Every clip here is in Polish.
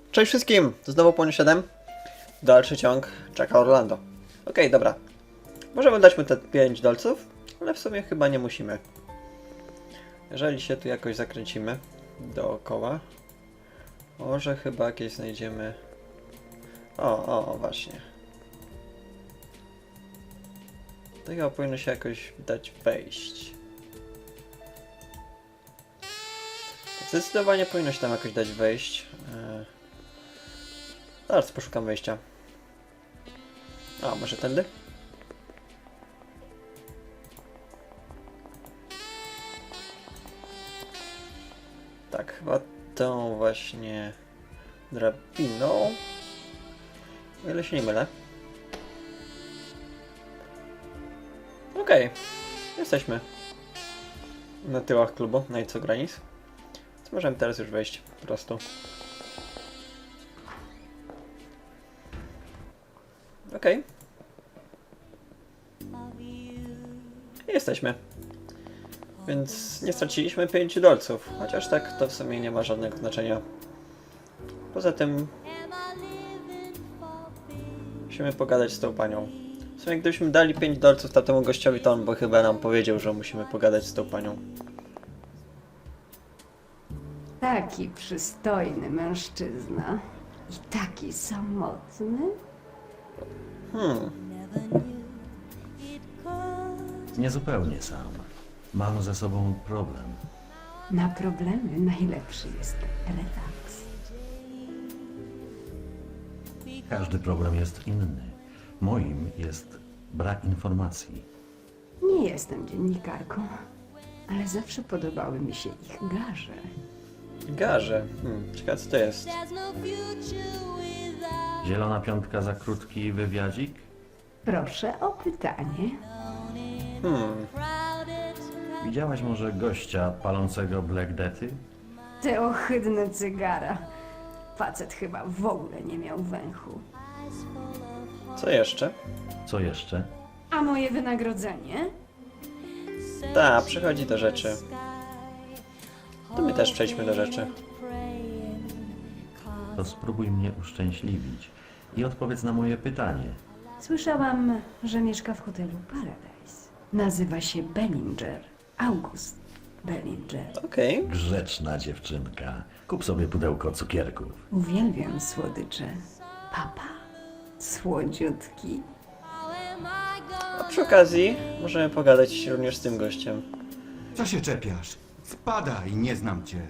Cześć wszystkim! To znowu Płoń 7. Dalszy ciąg czeka Orlando. Okej, dobra. Możemy dać mu te 5 dolców, ale w sumie chyba nie musimy. Jeżeli się tu jakoś zakręcimy dookoła, może chyba jakieś znajdziemy... O, właśnie. To chyba powinno się jakoś dać wejść. Zdecydowanie powinno się tam jakoś dać wejść. Zaraz poszukam wejścia. A, może tędy? Tak, chyba tą właśnie drabiną. O ile się nie mylę. Okej, jesteśmy na tyłach klubu Knights of Granis. Więc możemy teraz już wejść po prostu. Okej. Jesteśmy. Więc nie straciliśmy 5 dolców. Chociaż tak to w sumie nie ma żadnego znaczenia. Poza tym musimy pogadać z tą panią. W sumie gdybyśmy dali 5 dolców temu gościowi, to on by chyba nam powiedział, że musimy pogadać z tą panią. Taki przystojny mężczyzna i taki samotny. Niezupełnie sam. Mam ze sobą problem. Na problemy najlepszy jest relaks. Każdy problem jest inny. Moim jest brak informacji. Nie jestem dziennikarką, ale zawsze podobały mi się ich garze. Garze. Ciekawe co to jest. Zielona piątka za krótki wywiadzik? Proszę o pytanie. Widziałaś może gościa palącego Black Death'y? Te ohydne cygara. Facet chyba w ogóle nie miał węchu. Co jeszcze? Co jeszcze? A moje wynagrodzenie? Ta, przychodzi do rzeczy. To my też przejdźmy do rzeczy. To spróbuj mnie uszczęśliwić i odpowiedz na moje pytanie. Słyszałam, że mieszka w hotelu Paradise. Nazywa się Bellinger. August Bellinger. Okej. Grzeczna dziewczynka. Kup sobie pudełko cukierków. Uwielbiam słodycze. Papa, słodziutki. A przy okazji możemy pogadać również z tym gościem. Co się czepiasz? Spadaj, nie znam cię.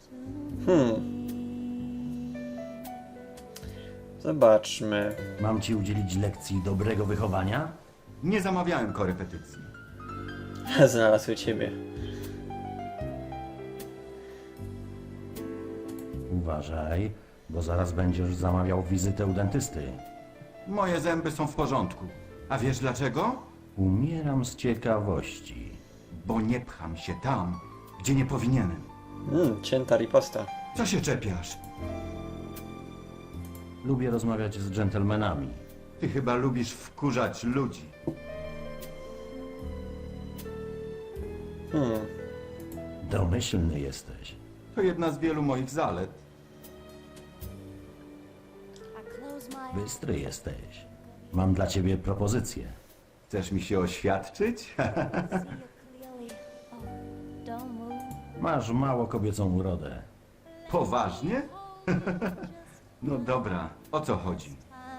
Zobaczmy. Mam ci udzielić lekcji dobrego wychowania? Nie zamawiałem korepetycji. Znalazły ciebie. Uważaj, bo zaraz będziesz zamawiał wizytę u dentysty. Moje zęby są w porządku. A wiesz dlaczego? Umieram z ciekawości. Bo nie pcham się tam, gdzie nie powinienem. Cięta riposta. Co się czepiasz? Lubię rozmawiać z dżentelmenami. Ty chyba lubisz wkurzać ludzi. Domyślny jesteś. To jedna z wielu moich zalet. Bystry jesteś. Mam dla ciebie propozycję. Chcesz mi się oświadczyć? Masz mało kobiecą urodę. Poważnie? No dobra, o co chodzi?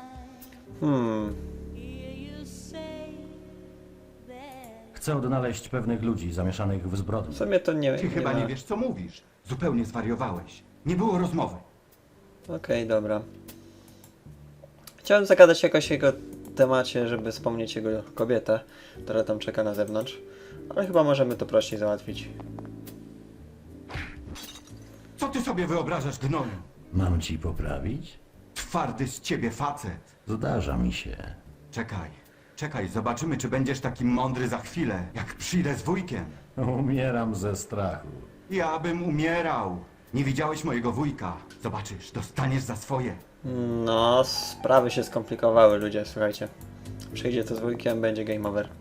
Chcę odnaleźć pewnych ludzi zamieszanych w W zbrodni. sumie to nie, Ty chyba ma... nie wiesz, co mówisz. Zupełnie zwariowałeś. Nie było rozmowy. Okej, dobra. Chciałem zagadać jakoś jego temacie, żeby wspomnieć jego kobietę, która tam czeka na zewnątrz. Ale chyba możemy to prościej załatwić. Co ty sobie wyobrażasz, gnoju? Mam ci poprawić? Twardy z ciebie facet. Zdarza mi się. Czekaj, zobaczymy, czy będziesz taki mądry za chwilę, jak przyjdę z wujkiem. Umieram ze strachu. Ja bym umierał. Nie widziałeś mojego wujka. Zobaczysz, dostaniesz za swoje. No, sprawy się skomplikowały, ludzie, słuchajcie. Przyjdzie to z wujkiem, będzie game over.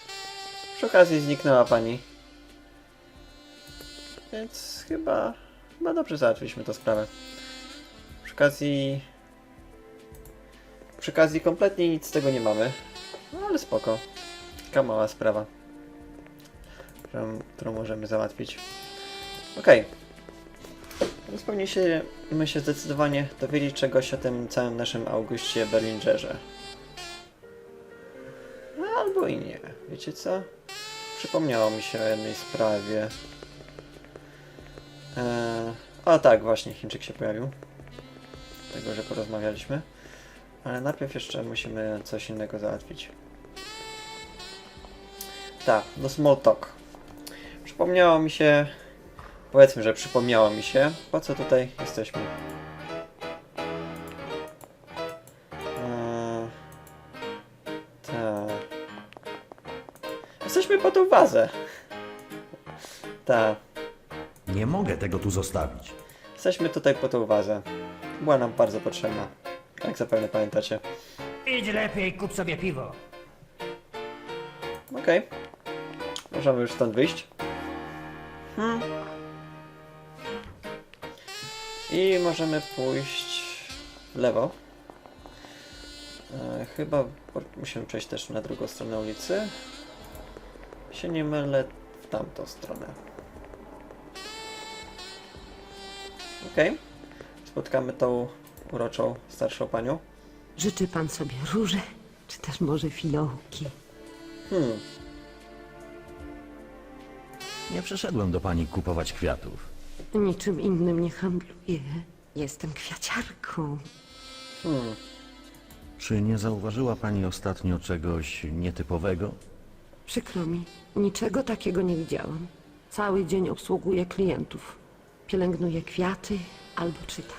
Przy okazji zniknęła pani. Więc chyba chyba dobrze załatwiliśmy tę sprawę. Przy okazji kompletnie nic z tego nie mamy. No ale spoko. Taka mała sprawa, którą możemy załatwić. Okej. Więc powinniśmy się zdecydowanie dowiedzieć czegoś o tym całym naszym Augustie Berlingerze. No, albo i nie. Wiecie co? Przypomniało mi się o jednej sprawie. O tak, właśnie Chińczyk się pojawił. Tego, że porozmawialiśmy. Ale najpierw jeszcze musimy coś innego załatwić. Tak, no small talk. Przypomniało mi się... Powiedzmy, że przypomniało mi się, po co tutaj jesteśmy. Tak. Jesteśmy po tą wazę. Tak. Nie mogę tego tu zostawić. Jesteśmy tutaj po tą wazę. Była nam bardzo potrzebna. Jak zapewne pamiętacie. Idź lepiej, kup sobie piwo. Okej. Możemy już stąd wyjść. I możemy pójść w lewo. Chyba musimy przejść też na drugą stronę ulicy. Się nie mylę, w tamtą stronę. Okej. Spotkamy tą uroczą starszą panią. Życzy pan sobie róże, czy też może fiołki? Nie przyszedłem do pani kupować kwiatów. Niczym innym nie handluję. Jestem kwiaciarką. Czy nie zauważyła pani ostatnio czegoś nietypowego? Przykro mi, niczego takiego nie widziałam. Cały dzień obsługuję klientów. Pielęgnuję kwiaty albo czytam.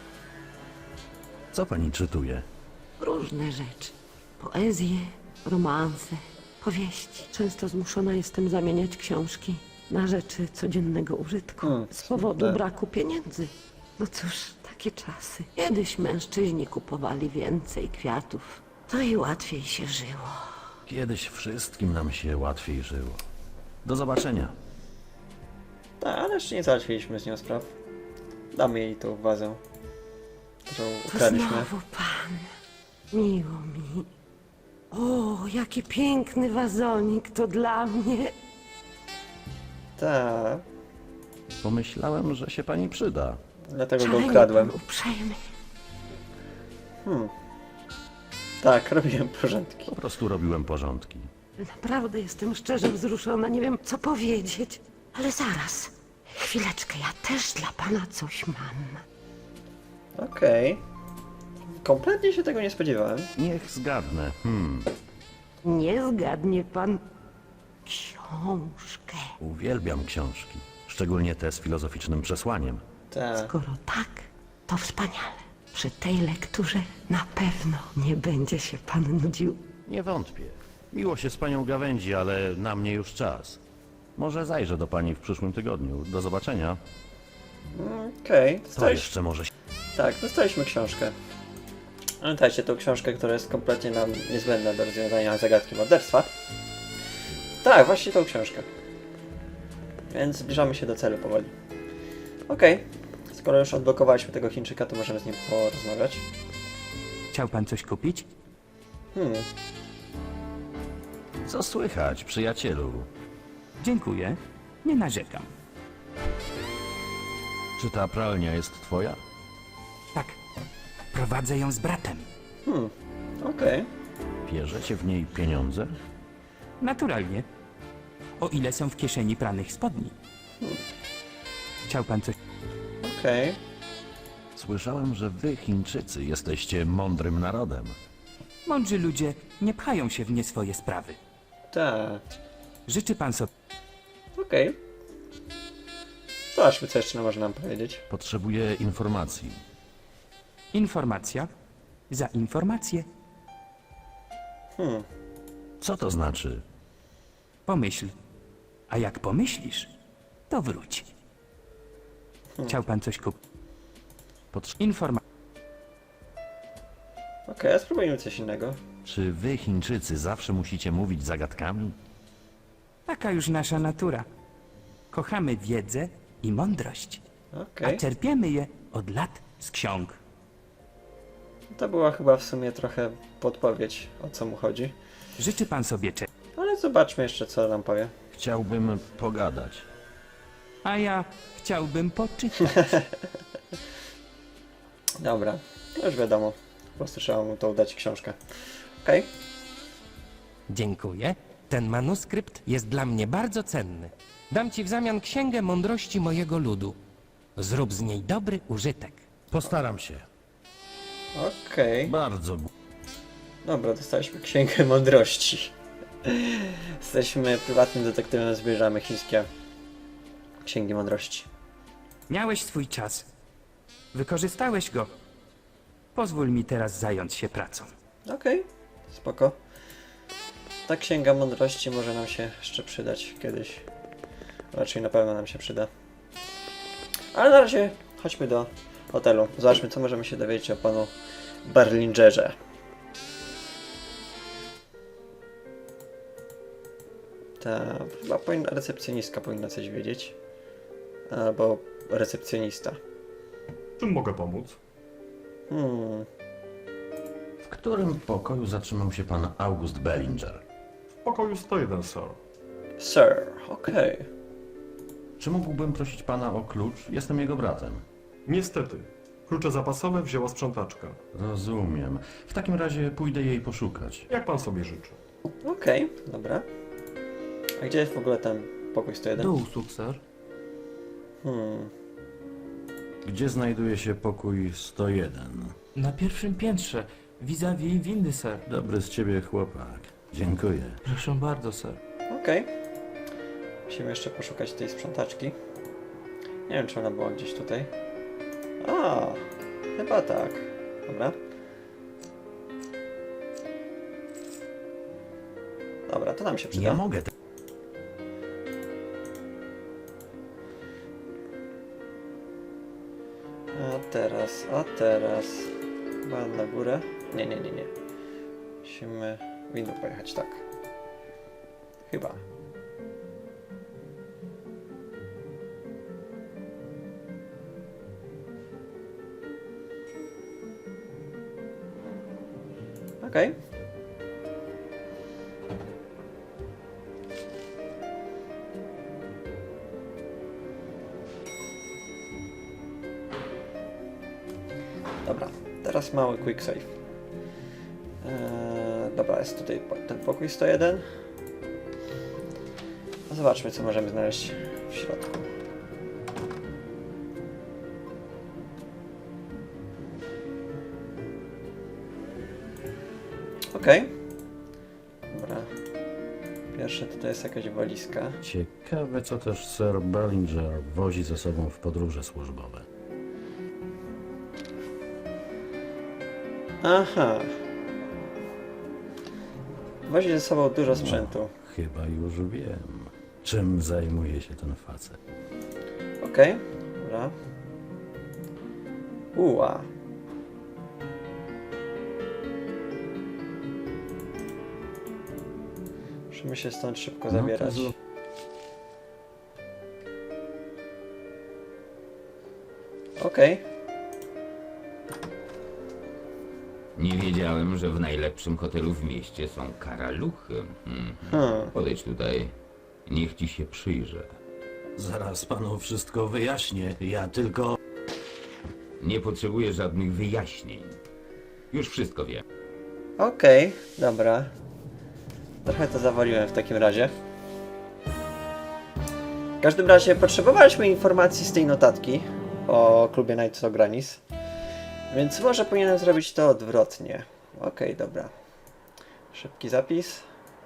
Co pani czytuje? Różne rzeczy. Poezję, romanse, powieści. Często zmuszona jestem zamieniać książki na rzeczy codziennego użytku. Z powodu braku pieniędzy. No cóż, takie czasy. Kiedyś mężczyźni kupowali więcej kwiatów. To i łatwiej się żyło. Kiedyś wszystkim nam się łatwiej żyło. Do zobaczenia. Tak, ale jeszcze nie załatwiliśmy z nią spraw. Damy jej tą wazę, którą To ukradliśmy. znowu pan. Miło mi. O, jaki piękny wazonik to dla mnie. Tak, Pomyślałem, że się pani przyda. dlatego go Szalenie ukradłem. pan uprzejmy. Tak, robiłem porządki. Po prostu robiłem porządki. Naprawdę jestem szczerze wzruszona, nie wiem co powiedzieć. Ale zaraz, chwileczkę, ja też dla pana coś mam. Okej. Kompletnie się tego nie spodziewałem. Niech zgadnę. Nie zgadnie pan książkę. Uwielbiam książki. Szczególnie te z filozoficznym przesłaniem. Tak. Skoro tak, to wspaniale. Przy tej lekturze na pewno nie będzie się pan nudził. Nie wątpię. Miło się z panią gawędzi, ale na mnie już czas. Może zajrzę do pani w przyszłym tygodniu. Do zobaczenia. Okej. To jeszcze może... Tak, dostaliśmy książkę. Pamiętajcie tą książkę, która jest kompletnie nam niezbędna do rozwiązania zagadki morderstwa. Tak, właśnie tą książkę. Więc zbliżamy się do celu powoli. Okej. Skoro już odblokowaliśmy tego Chińczyka, to możemy z nim porozmawiać. Chciał pan coś kupić? Co słychać, przyjacielu? Dziękuję. Nie narzekam. Czy ta pralnia jest twoja? Tak. Prowadzę ją z bratem. Okej. Bierzecie w niej pieniądze? Naturalnie. O ile są w kieszeni pranych spodni. Chciał pan coś... Okej. Słyszałem, że wy, Chińczycy, jesteście mądrym narodem. Mądrzy ludzie nie pchają się w nie swoje sprawy. Tak. Życzy pan sobie... Okej. Zobaczmy, co jeszcze może nam powiedzieć. Potrzebuję informacji. Informacja za informację. Co to znaczy? Pomyśl. A jak pomyślisz, to wróć. Chciał pan coś kupić? Informacja. Okej, a spróbujmy coś innego. Czy wy, Chińczycy, zawsze musicie mówić zagadkami? Taka już nasza natura. Kochamy wiedzę i mądrość. Okej. a czerpiemy je od lat z ksiąg. To była chyba w sumie trochę podpowiedź, o co mu chodzi. Życzy pan sobie czego, Ale zobaczmy jeszcze, co nam powie. Chciałbym pogadać. a ja chciałbym poczytać. Dobra, to już wiadomo. Po prostu trzeba mu to udać książkę. Okej. Dziękuję. Ten manuskrypt jest dla mnie bardzo cenny. Dam ci w zamian księgę mądrości mojego ludu. Zrób z niej dobry użytek. Postaram się. Okej. Bardzo. Dobra, dostaliśmy księgę mądrości. Jesteśmy prywatnym detektywem, zbieramy chińskie księgi mądrości. Miałeś swój czas. Wykorzystałeś go. Pozwól mi teraz zająć się pracą. Okej, spoko. Ta księga mądrości może nam się jeszcze przydać kiedyś. Raczej na pewno nam się przyda. Ale na razie chodźmy do hotelu. Zobaczmy, co możemy się dowiedzieć o panu Berlingerze. Ta chyba recepcjonistka powinna coś wiedzieć. Albo recepcjonista. Czym mogę pomóc? W którym pokoju zatrzymał się pan August Bellinger? W pokoju 101, sir. Sir, okej. Czy mógłbym prosić pana o klucz? Jestem jego bratem. Niestety. Klucze zapasowe wzięła sprzątaczka. Rozumiem. W takim razie pójdę jej poszukać. Jak pan sobie życzy? Okej, dobra. A gdzie jest w ogóle ten pokój 101? Do usług, sir. Gdzie znajduje się pokój 101? Na pierwszym piętrze, vis-a-vis windy, sir. Dobry z ciebie chłopak. Dziękuję. Proszę bardzo, sir. Okej. Musimy jeszcze poszukać tej sprzątaczki. Nie wiem, czy ona była gdzieś tutaj. A, chyba tak. Dobra. Dobra, to nam się przyda. Ja mogę. A teraz. Chyba na górę. Nie. Musimy windą pojechać, tak. Chyba. Okej. Dobra, teraz mały quick save. Dobra, jest tutaj ten pokój 101. Zobaczmy, co możemy znaleźć w środku. Okej. Dobra. Pierwsze tutaj jest jakaś walizka. Ciekawe, co też Sir Bellinger wozi ze sobą w podróże służbowe. Aha. Wozi ze sobą dużo sprzętu. Chyba już wiem, czym zajmuje się ten facet. Okej. Dobra. Uła. Musimy się stąd szybko zabierać. Okej. Nie wiedziałem, że w najlepszym hotelu w mieście są karaluchy. Podejdź tutaj. Niech ci się przyjrzę. Zaraz panu wszystko wyjaśnię. Ja tylko... Nie potrzebuję żadnych wyjaśnień. Już wszystko wiem. Okej, dobra. Trochę to zawaliłem w takim razie. W każdym razie potrzebowaliśmy informacji z tej notatki o klubie Knights of Granis. Więc może powinienem zrobić to odwrotnie. Okej, dobra. Szybki zapis.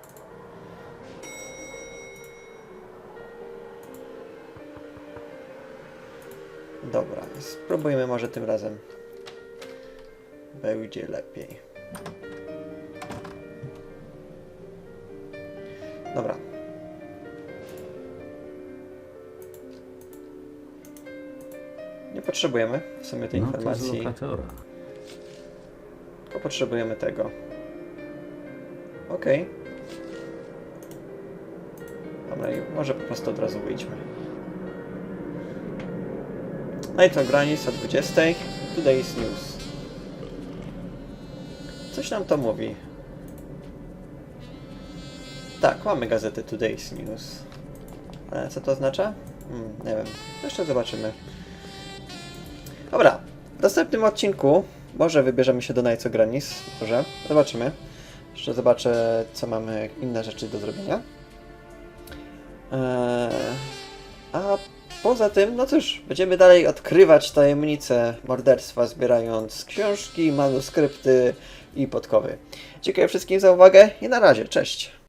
Dobra, spróbujmy może tym razem. Będzie lepiej. Dobra. Nie potrzebujemy w sumie tej No to z informacji, lokatora. tylko potrzebujemy tego. Okej. Dobra, i może po prostu od razu wyjdźmy. Night of Granis o 20. Today's News. Coś nam to mówi. Tak, mamy gazetę Today's News. Ale co to oznacza? Nie wiem. Jeszcze zobaczymy. Dobra. W następnym odcinku może wybierzemy się do Night of Granis. Może. Zobaczymy. Jeszcze zobaczę, co mamy inne rzeczy do zrobienia. A poza tym, no cóż, będziemy dalej odkrywać tajemnice morderstwa, zbierając książki, manuskrypty i podkowy. Dziękuję wszystkim za uwagę i na razie, cześć!